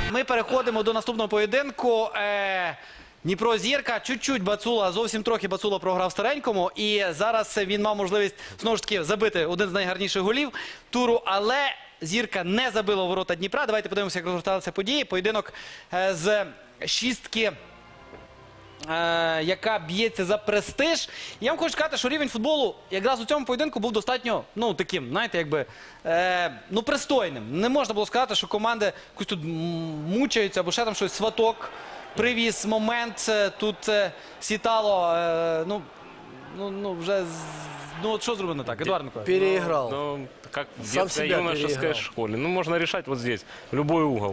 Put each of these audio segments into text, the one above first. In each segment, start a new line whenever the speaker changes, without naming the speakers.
Ми переходимо до наступного поєдинку. Дніпро-Зірка. Чуть-чуть Бацула, зовсім трохи Бацула програв старенькому. І зараз він мав можливість, знову ж таки, забити один з найгарніших голів туру. Але Зірка не забила у ворота Дніпра. Давайте подивимося, як розгорталися події. Поєдинок з шістки, яка б'ється за престиж. Я вам хочу сказати, що рівень футболу якраз у цьому поєдинку був достатньо, ну, таким, знаєте, якби, ну, пристойним. Не можна було сказати, що команди якось тут мучаються, або ще там щось, Сваток привіз момент, тут Сітало, ну, вже, ну, от що зробили не так, Едуард Миколаївич?
Переиграл.
Ну, как в
Сам
детской,
себя
юношеской
переиграл.
школе. Ну, можно решать вот здесь, в любой угол.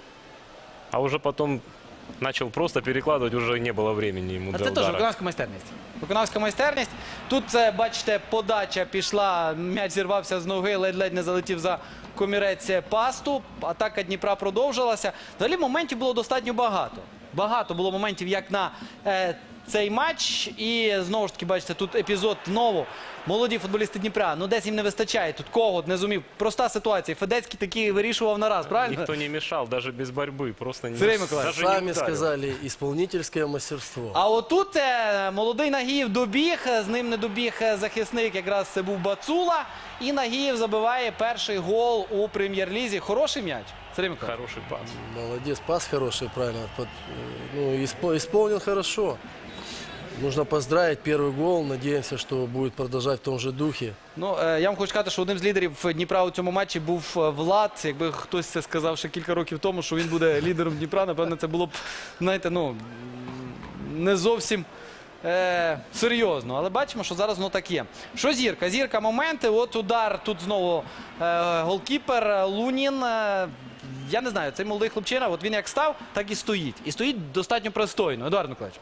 А уже потом начал просто перекладывать, уже не было времени ему
А
для
це теж
удара.
виконавська майстерність. Виконавська майстерність. Тут, бачите, подача пішла, м'яч зірвався з ноги, ледь-ледь не залетів за комірець пасту. Атака Дніпра продовжилася. Взагалі моментів було достатньо багато. Багато було моментів, як на цей матч. І знову ж таки, бачите, тут епізод знову. Молоді футболісти Дніпра. Ну, десь їм не вистачає. Тут Когут не зумів. Проста ситуація. Федецький таки вирішував на раз, правильно?
Никто не мешал, даже без борьбы. Просто не,
Сергей Николаевич,
даже не
Сами
ударил.
сказали, исполнительское мастерство.
А отут молодий Нагієв добіг, з ним не добіг захисник, якраз це був Бацула. І Нагієв забиває перший гол у прем'єр-лізі. Хороший м'яч. Сергій Миколаївич.
Хороший пас.
Молодец, пас хороший, правильно. Ну, исполнил хорошо. Нужно поздравить первый гол. Надеемся, что будет продолжать в том же духе.
Ну, я вам хочу сказати, що одним з лідерів Дніпра у цьому матчі був Влад. Якби хтось це сказав ще кілька років тому, що він буде лідером Дніпра, напевно, це було б, знаєте, ну, не зовсім серйозно. Але бачимо, що зараз воно так є. Що Зірка? Зірка моменти. От удар, тут знову голкіпер Лунін. Я не знаю, цей молодий хлопчина, от він як став, так і стоїть. І стоїть достатньо пристойно. Едуард Миколаївич.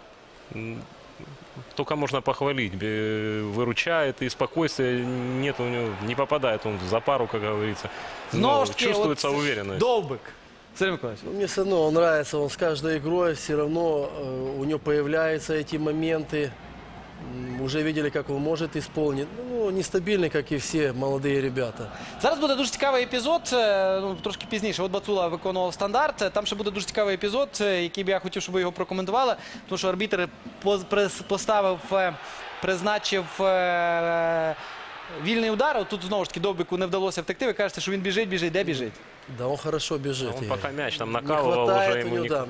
Только можно похвалить. Выручает, и спокойствия нет у него, не попадает он за пару, как говорится.
Знову ж таки,
чувствуется
от
уверенность.
Довбик. Сергій Миколаївич.
Ну, мне все равно он нравится, он с каждой игрой все равно у него появляются эти моменты. Уже видели, как он может исполнить. Ну, нестабильный, как и все молодые ребята.
Зараз буде дуже цікавий епізод, ну, трошки пізніше. От Бацула виконував стандарт. Там ще буде дуже цікавий епізод, який би я хотів, щоб ви його прокоментували. Тому що арбітр поставив, призначив вільний удар. От тут знову ж таки Довбику не вдалося втекти. Ви кажете, що він біжить. Де біжить?
Да, он хорошо бежит.
Он пока мяч там
Не
накалывал, уже
хватает у
ему
него,
не...
да.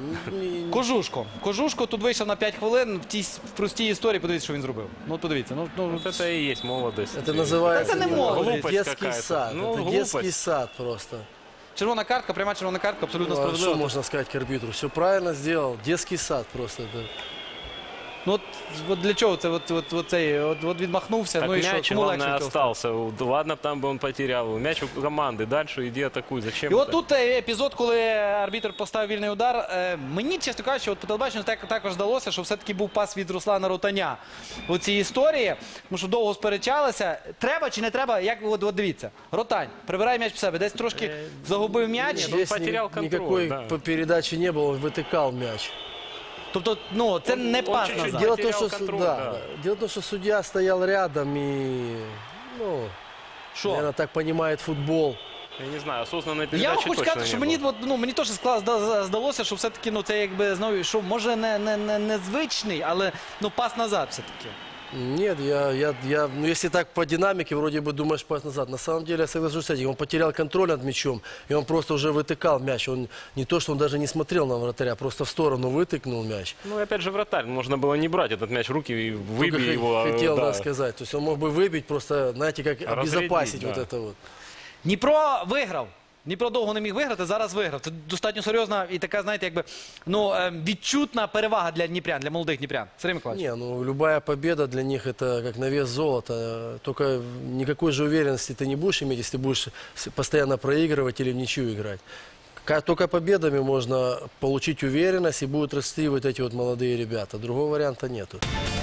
Кожушко тут вийшов на 5 хвилин в простій історії. Подивіться, що він зробив. Ну, от подивіться. Ну,
Вот это и есть молодость.
Это называется
Это не молодость.
Глупость
детский
какая-то.
сад.
Ну,
Это
глупость.
детский сад просто.
червона картка, пряма червона картка, абсолютно
Ну, а
справедливо.
что можно сказать к арбитру? Все правильно сделал. Детский сад просто. Это...
Ну, от для чого це? От відмахнувся.
Так
Ну і що?
мяч,
Кому
главное,
легше?
остался. Ладно, там бы он потерял. Мяч у команды. Дальше иди атакуй. Зачем
І
это?
от тут епізод, коли арбітр поставив вільний удар. Мені, чесно кажучи, от по телебаченню також здалося, що все-таки був пас від Руслана Ротаня у цій історії. Тому що довго сперечалися. Треба чи не треба? Як от дивіться. Ротань прибирає м'яч в себе. Десь трошки загубив м'яч.
Нет, он
Здесь
потерял контроль,
никакой
да.
передачи не было, он вытыкал мяч.
Тобто, ну, це не
он
пас
чуть-чуть
назад.
Дело в том,
потерял
что,
контроль,
да,
да.
дело в том, что судья стоял рядом и, ну,
Що?
наверное, так понимает футбол.
Я не знаю, осознанной
Я
передачи
вам хочу
точно
сказати,
не
що
было.
мені теж здалося, що все-таки, ну, це якби, знову, що може незвичний, але, ну, пас назад все-таки.
Нет, ну, если так по динамике, вроде бы думаешь пас назад. На самом деле, я соглашусь с этим, он потерял контроль над мячом, и он просто уже вытыкал мяч. Он не то, что он даже не смотрел на вратаря, просто в сторону вытыкнул мяч.
Ну, опять же, вратарь. Можно было не брать этот мяч в руки и
Только
выбить его.
хотел,
да.
да, сказать. То есть он мог бы выбить, просто, знаете, как
Разрядить,
обезопасить
да.
вот это вот.
Дніпро виграв. Дніпро довго не міг виграти, зараз виграв. Це достатньо серйозна і така, знаєте, якби, ну, відчутна перевага для дніпрян, для молодих дніпрян. Сергій Миколаївич.
Не, ну любая победа для них это как на вес золота. Только никакой же уверенности ты не будешь иметь, если будешь постоянно проигрывать или в ничью играть. Только победами можно получить уверенность и будут расти вот эти вот молодые ребята. Другого варианта нету.